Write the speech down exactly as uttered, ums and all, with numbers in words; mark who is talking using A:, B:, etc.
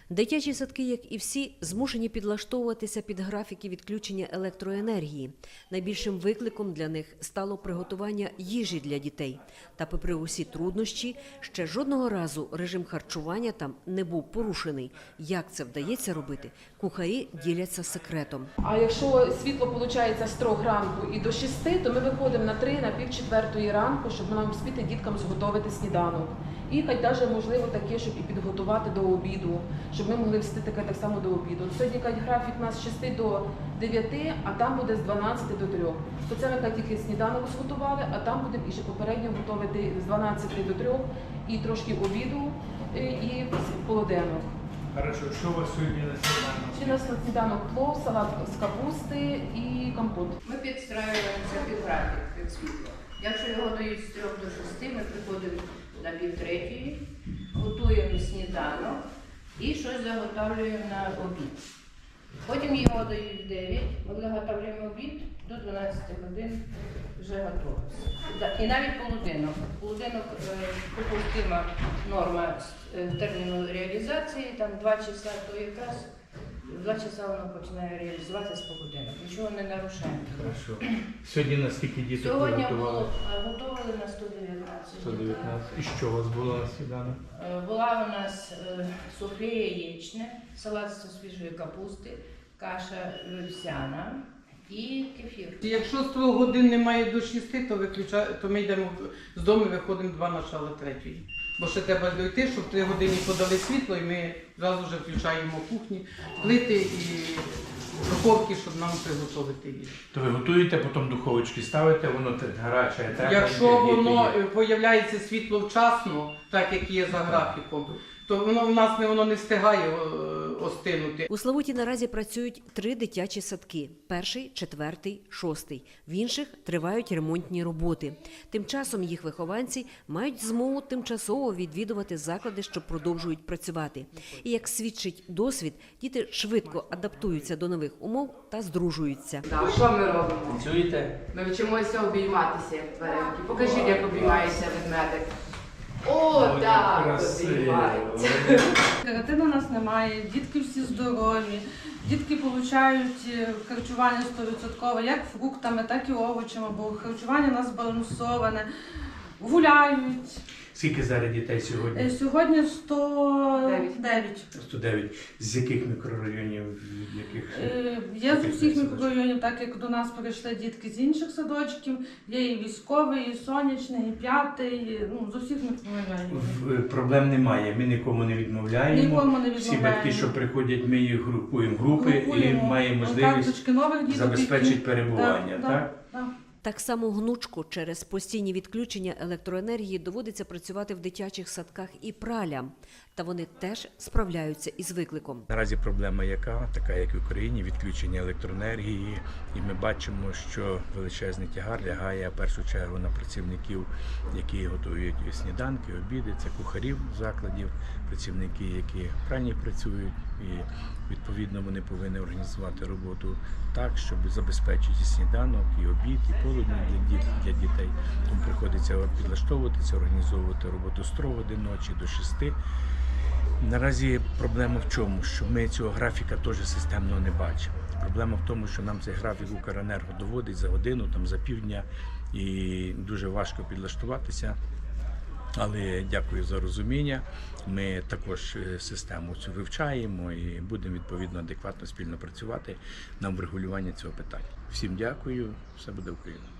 A: Дитячі садки, як і всі, змушені підлаштовуватися під графіки відключення електроенергії. Найбільшим викликом для них стало приготування їжі для дітей. Та попри усі труднощі, ще жодного разу режим харчування там не був порушений. Як це вдається робити, кухарі діляться секретом.
B: А якщо світло виходить з трьох ранку і до шести, то ми виходимо на три, на пів четвертої ранку, щоб нам спіти діткам зготовити сніданок. І хай навіть можливо таке, щоб і підготувати до обіду, щоб ми могли встати так само до обіду. Сьогодні графік у нас з шести до дев'яти, а там буде з дванадцяти до трьох. То це ми тільки сніданок зготували, а там будемо і ще попередньо готувати з дванадцяти до трьох і трошки обіду, і полуденок.
C: Хорошо, що у вас сьогодні на сніданок?
B: Ще у нас на сніданок плов, салат з капусти і компот.
D: Ми підстраюємося під графік, під світло. Якщо його дають з трьох до шести, ми приходимо на півтретьої, готуємо сніданок і щось заготовлюємо на обід. Потім його дають в дев'ять, ми заготовлюємо обід, до дванадцяти годин вже готово. І навіть полуденок. Полуденок допустима норма терміну реалізації, там два часа, то якраз два часа воно починає реалізуватися з полуденок. Нічого не нарушаємо.
C: Хорошо. Сьогодні на скільки діток
D: Сьогодні
C: готували?
D: готували на сто дев'ятнадцять.
C: сто дев'ятнадцять. І що у вас було на сніданок?
D: Була у нас суфле яєчне, салат з свіжої капусти, каша вівсяна і кефір.
E: Якщо з трьох годин немає до шести, то, виключа... то ми йдемо з дому, виходимо два начала третьої. Бо ще треба дойти, щоб в три години подали світло, і ми одразу вже включаємо кухні, плити і духовки, щоб нам приготувати їжу.
C: То ви готуєте, потім духовочки ставите, воно гаряче, тепле.
E: Якщо воно з'являється світло вчасно, так як є за графіком, то воно в нас не воно не встигає остинути.
A: У Славуті наразі працюють три дитячі садки – перший, четвертий, шостий. В інших тривають ремонтні роботи. Тим часом їх вихованці мають змогу тимчасово відвідувати заклади, що продовжують працювати. І як свідчить досвід, діти швидко адаптуються до нових умов та здружуються.
F: Так, що ми робимо?
C: Працюєте?
F: Ми вчимося обійматися, як тваринки. Покажіть, як обіймається ведмедик. О, так, обіймається.
G: Карантину у нас немає, дітки всі здорові, дітки отримують харчування сто відсотків, як фруктами, так і овочами, бо харчування у нас збалансоване, гуляють.
C: Скільки зараз дітей сьогодні?
G: Сьогодні сто дев'ять.
C: сто дев'ять. З яких мікрорайонів? Яких?
G: Є з усіх мікрорайонів, так як до нас прийшли дітки з інших садочків, є і військовий, і сонячний, і п'ятий, ну, з усіх мікрорайонів.
C: Проблем немає, ми нікому не відмовляємо.
G: Нікому не відмовляємо.
C: Всі батьки, що приходять, ми їх групуємо групи
G: Групуємо.
C: і маємо можливість забезпечити перебування.
G: Да,
C: так?
G: да, да.
A: Так само гнучко через постійні відключення електроенергії доводиться працювати в дитячих садках і пралям. Та вони теж справляються із викликом.
C: Наразі проблема яка, така як в Україні, відключення електроенергії. І ми бачимо, що величезний тягар лягає в першу чергу на працівників, які готують сніданки, обіди, це кухарів закладів, працівники, які в пральні працюють. І відповідно вони повинні організувати роботу так, щоб забезпечити сніданок, і обід, і полудень для, для дітей. Тому приходиться підлаштовуватися, організовувати роботу з трьох годин ночі до шести. Наразі проблема в чому? Що ми цього графіка теж системно не бачимо. Проблема в тому, що нам цей графік Укренерго доводить за годину, там, за півдня, і дуже важко підлаштуватися. Але дякую за розуміння. Ми також систему цю вивчаємо і будемо відповідно адекватно спільно працювати на врегулювання цього питання. Всім дякую, все буде Україна.